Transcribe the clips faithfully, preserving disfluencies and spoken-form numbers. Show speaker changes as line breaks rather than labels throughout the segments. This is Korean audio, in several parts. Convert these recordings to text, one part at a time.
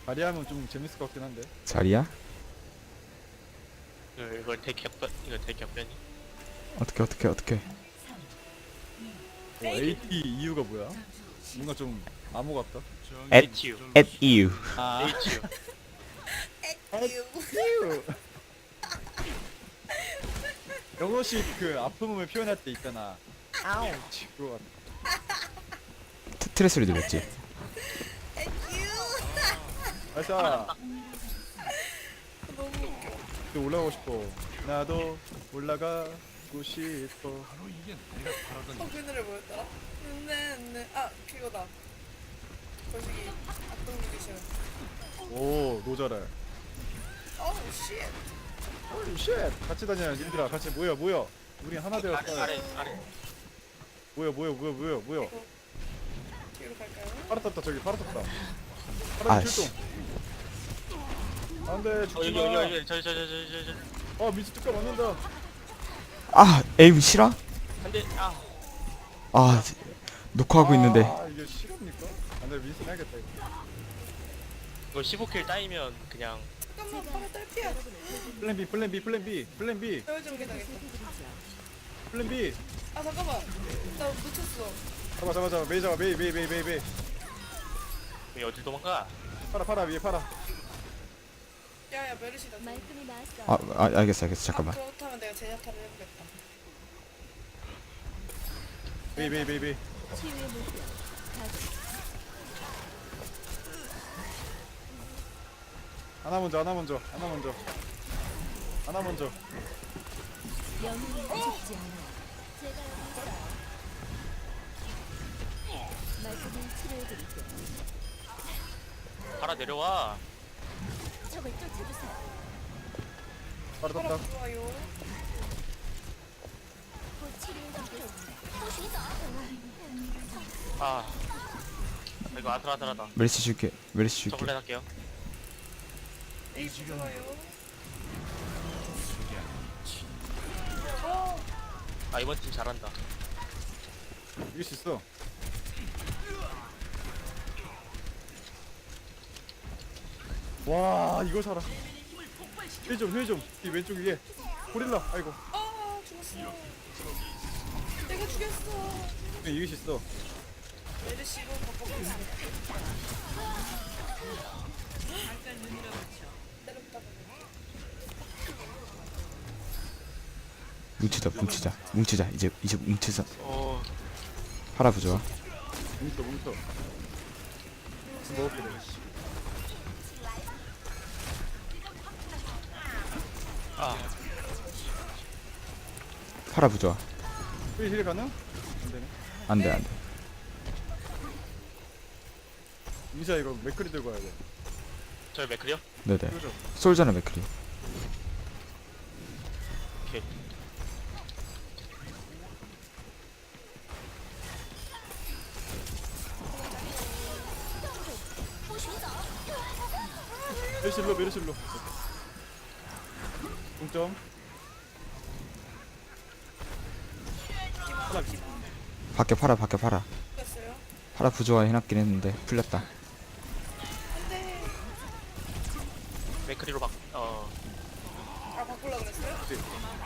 자리하면 좀 재밌을 것 같긴 한데.
자리야?
이거 이걸 대격변 이거 대격변이
어떻게 어떻게 어떻게?
어, 에이티 이유가 뭐야? 뭔가 좀 암호 같다.
at
에이치유
at you.
아,
에이치유
에이티유. 영어식 그 아픔을 표현할 때 있잖아. 아우. 그거 같아.
트- 트레 소리 들렸지?
아싸. 또 올라가고 싶어. 나도 올라가고 싶어.
어, 그 노래 뭐였더라? 네, 네. 아, 그거다. 거시기 악동뮤지션.
오, 노자랄.
어우, 쉣.
홀리 쉣. 같이 다녀, 님들아. 같이 모여, 모여. 우리 하나
아래
되었어.
아래 아래
모여, 모여, 모여, 모여, 모여.
뒤로 갈까요?
파라 떴다, 저기 파라 떴다.
아,
파라
씨.
출동. 안 돼,
어
죽지
여기
마.
여기 여기 저기 저기 저기 저기 저기
어, 미치 뚜까 맞는다.
아 에임 실화?
안돼 아
아 녹화하고 있는데.
아, 이게 실합니까? 안 돼, 민스 해야겠다, 이거.
이거 십오 킬 따이면 그냥
잠깐만, 바로 딸피야.
플랜 B, 플랜 B, 플랜 B, 플랜 B,
여정계 당했다.
플랜 B.
아, 잠깐만. 나 놓쳤어.
잡아, 잡아, 잡아. 메이 잡아, 메이, 메이, 메이, 메이, 메이.
왜 어딜 도망가
파라, 파라, 위에 파라.
야, 야, 메르시다.
말끔히 나왔어.
아, 아 알겠어 알겠어 잠깐만.
아, 그렇다면 내가 제냐타를 해보겠다.
메이, 메이, 메이, 메이.
치유의 물결. 가동.
하나 먼저, 하나 먼저, 하나 먼저. 하나 먼저.
영웅은 죽지 않아. 제가 여기 있어요. 말끔히 치료해드릴게요.
바라 내려와
적을 쫓아주세요.
파라
바로
떴다.
들어와요.
곧 치료해드리겠습니다.
아 이거 아슬아슬하다
메리시 줄게 메리시
저
줄게.
블랙 할게요
에이, 들어와요.
아 이번 팀 잘한다
이길 수 있어. 와, 이걸 살아. 힐 좀, 힐 좀. 이 왼쪽 위에. 고릴라. 아이고.
아, 죽었어. 내가 죽였어.
네, 이길 수 있어.
메르시로 바꿔보겠습니다. 때렸다.
뭉치자 뭉치자 뭉치자 이제 이제 뭉치자.
어
파라 부좋아.
뭉쳐, 뭉쳐. 먹을게, 내가.
아
파라 부좋아.
힐, 힐 가능? 안 되네.
안돼 안돼.
민수야, 이거 맥크리 들고 와야 돼.
저희 맥클이요?
네네.
그죠?
솔저는 맥크리.
오케이
메르실로, 메르실로. 동점. 하나,
밖에 파라 밖에 파라.
죽였어요.
파라 부좋아 해놨긴 했는데 풀렸다.
안돼.
맥클이로 막어
아, 바꾸려 그랬어요?
네.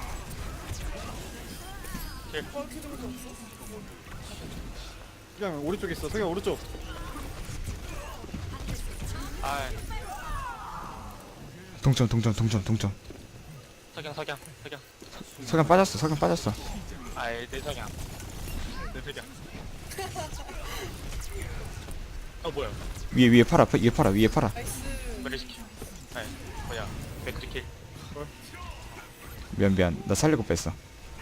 힐.
어, 그 정도 없어?
그냥 오른쪽에 있어. 성형 오른쪽.
아
동점 동점 동점 동점.
석양 석양 석양
석양 빠졌어 석양 빠졌어.
아이 내 석양 내 석양 어 뭐야
위에 위에 파라 위에 파라 위에 파라.
나이스.
메르시키 아이 뭐야 맥클이 킬
미안 미안 나 살리고 뺐어.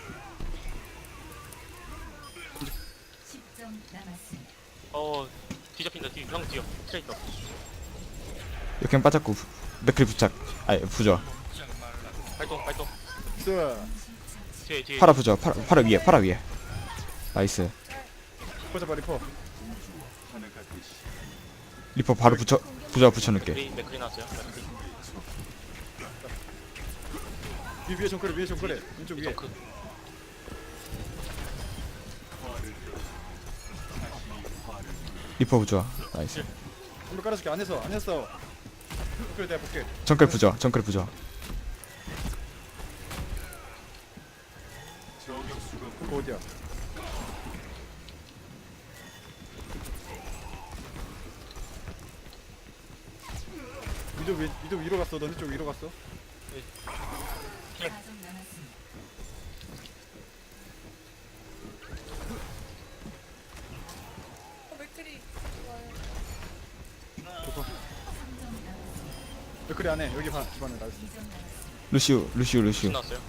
어 뒤잡힌다 뒤 형 뒤요 트레이더
역행 빠졌고 부- 맥크리 부착. 아니 부좋아.
발동 발동
있어.
뒤에 뒤에
파라 부좋아 파라 파라 위에 파라 위에. 나이스.
리퍼 잡아, 리퍼.
리퍼 바로 붙여 부좋아 붙여놓을게.
맥클이 맥클이 나왔어요 맥클이
위, 위에 정크래, 위에 정크래. 왼쪽 위에.
정크
리퍼 부좋아. 나이스.
한번 깔아줄게. 안 했어, 안 했어. 그래 내가 볼게.
정글 부조 정글 부조.
그거 어디야? 위도 위 위도 위로 갔어. 너네 쪽 위로 갔어.
어, 맥크리. 좋아요.
좋고. 그래 안해. 여기 봐. 집안에 나있어.
루시우 루시우 루시우.
신났어요.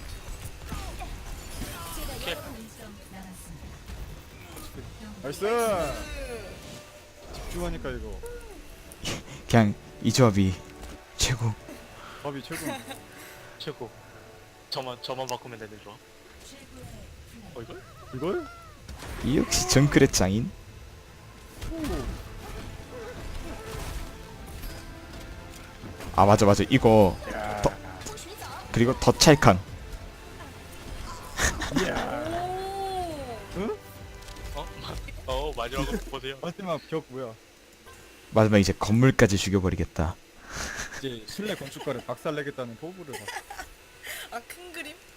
나이스. 집중하니까 이거.
그냥 이 조합이 최고.
밥이 최고.
최고. 저만 저만 바꾸면 되는 좋아. 어 이걸?
이걸?
이 역시 정글의 장인. 아 맞아 맞아 이거
야.
더- 그리고 더 찰캉.
이야. 응?
어? 어 마지막 거 보세요.
마지막 벽 뭐야?
마지막 이제 건물까지 죽여버리겠다.
이제 실내 건축가를 박살내겠다는 포부를 봤어.
아, 큰 그림?